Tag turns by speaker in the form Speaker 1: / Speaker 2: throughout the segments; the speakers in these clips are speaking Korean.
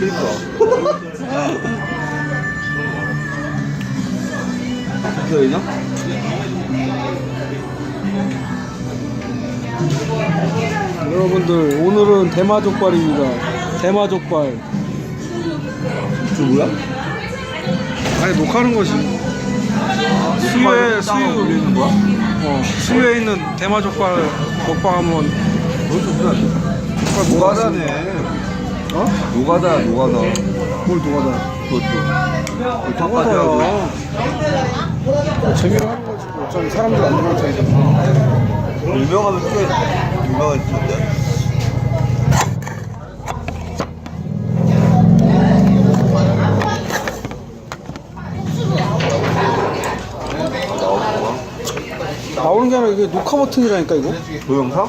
Speaker 1: 그니까. 기다리냐?
Speaker 2: 여러분들 오늘은 대마족발입니다. 대마족발.
Speaker 1: 저 뭐야?
Speaker 2: 아니 녹화하는 거지. 수유에
Speaker 1: 올리는 거야?
Speaker 2: 수유에 있는 대마족발 먹방 한번.
Speaker 1: 그것도 그래. 노가다네.
Speaker 2: 어?
Speaker 1: 노가다, 노가다.
Speaker 2: 뭘 녹아다.
Speaker 1: 그것도. 턱까지 하고.
Speaker 2: 재미로 하는 거지. 어차피 사람들 안 들어올 테니까.
Speaker 1: 유명하면 꽤 유명한 팀인데.
Speaker 2: 나오는 게 아니라 이게 녹화 버튼이라니까 이거.
Speaker 1: 동영상?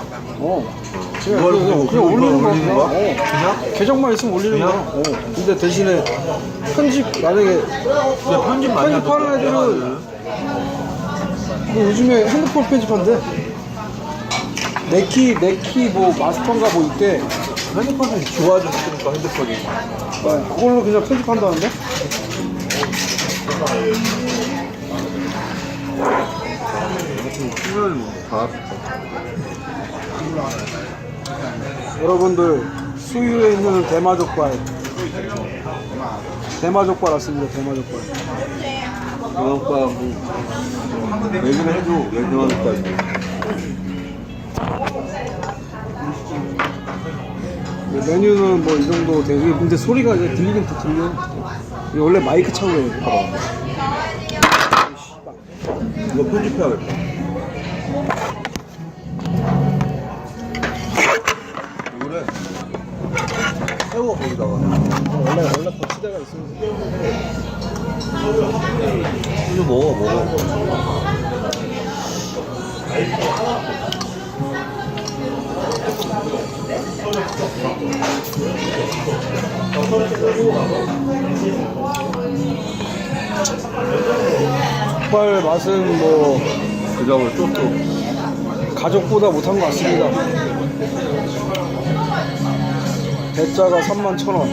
Speaker 2: 그냥 올리는 거야.
Speaker 1: 그냥?
Speaker 2: 계정만 있으면 올리는
Speaker 1: 그냥?
Speaker 2: 거야. 근데 대신에 편집 만약에
Speaker 1: 그냥 편집 많이
Speaker 2: 편집하는 애들은 뭐 요즘에 핸드폰 편집한대. 네키 뭐 마스터인가 뭐 있대.
Speaker 1: 핸드폰이 좋아졌으니까 핸드폰이.
Speaker 2: 그걸로 그냥 편집한다는데?
Speaker 1: 쓰면 다.
Speaker 2: 여러분들 수유에 있는 대마족발 왔습니다. 대마족발.
Speaker 1: 동영상 뭐 얘기를 해줘. 왜 동영상까지.
Speaker 2: 메뉴는 뭐 이 정도 되고. 근데 소리가 이제 들리긴 또 들려. 이게 원래 마이크 차고 해야 돼.
Speaker 1: 이거 편집해야겠다. 이거를 세워 거기다가.
Speaker 2: 원래 거치대가 있으면
Speaker 1: 이거 먹어.
Speaker 2: 족발 맛은 뭐
Speaker 1: 그저걸 또.
Speaker 2: 가족보다 못한 것 같습니다. 대짜가 31,000원.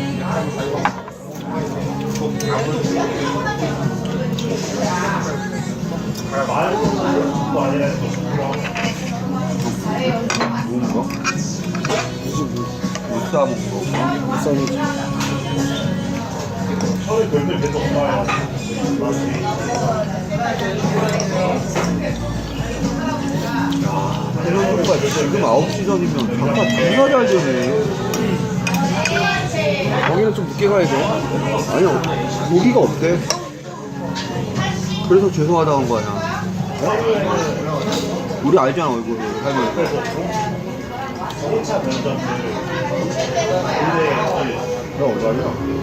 Speaker 1: 뭔가?
Speaker 2: 무슨
Speaker 1: 못 싸먹는 거.
Speaker 2: 비싸지.
Speaker 1: 해명조가 지금 9시 전이면 장사 존나 잘 되네.
Speaker 2: 거기는 좀 늦게 가야 돼.
Speaker 1: 아니요, 고기가 없대. 그래서 죄송하다고 한 거 아니야. 우리 알잖아, 얼굴을. 할머니. 나 얼마냐?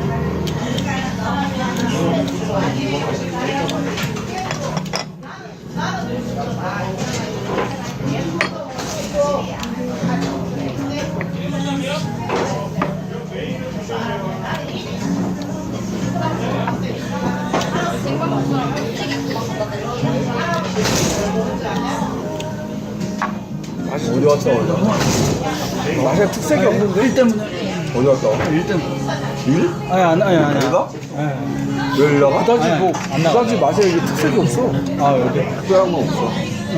Speaker 1: 어디 왔다 오냐?
Speaker 2: 맛에 특색이 없는데? 일 때문에.
Speaker 1: 어디 갔다 와? 일 때문에. 일?
Speaker 2: 아니.
Speaker 1: 내가? 왜 일나가?
Speaker 2: 그다지 맛에 이게 특색이 없어.
Speaker 1: 특별한 건 없어.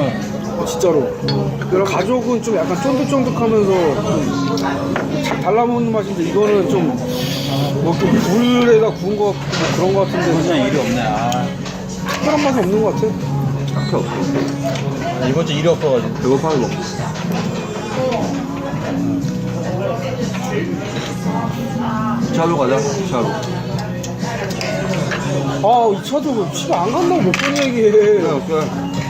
Speaker 2: 진짜로. 가족은 좀 약간 쫀득쫀득하면서 좀 달라먹는 맛인데 이거는 좀뭐 불에다 구운 거 같고 뭐 그런 거 같은데
Speaker 3: 이건 일이 없네.
Speaker 2: 특별한 맛이 없는 것 같아.
Speaker 1: 딱히 없어.
Speaker 3: 이번 주 일이 없어가지고.
Speaker 1: 배고파서 먹고. 차로 가자, 차로.
Speaker 2: 이 차도 뭐 피가 안 간다고 몇 번 얘기해.
Speaker 1: 그래.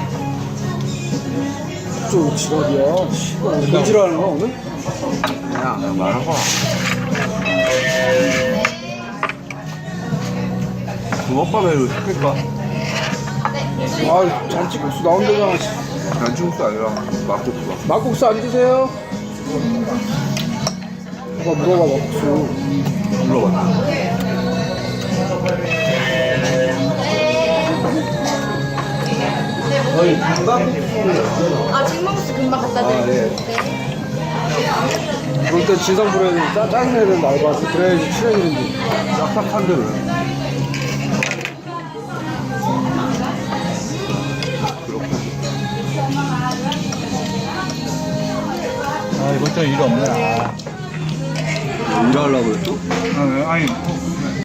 Speaker 2: 좀 지랄이야. 씨발. 뭔 지랄하는 거야 오늘?
Speaker 1: 그냥 말한 거야. 붕어빵을 시킬까?
Speaker 2: 잔치국수 나온다잖아.
Speaker 1: 잔치국수 아니라 막국수야.
Speaker 2: 막국수 안 드세요? 누가 물어봐 막국수.
Speaker 1: 물어봤네.
Speaker 4: 아, 지금 먹었어. 금방 갖다 드릴게요.
Speaker 1: 네.
Speaker 2: 그럴 때 진상 부려야 되는 짜증내야 되는 알바지. 그래야지 출연이는지.
Speaker 1: 싹싹한 대로.
Speaker 3: 아, 이번 주에 일 없네.
Speaker 1: 일하려고 했어?
Speaker 3: 아니,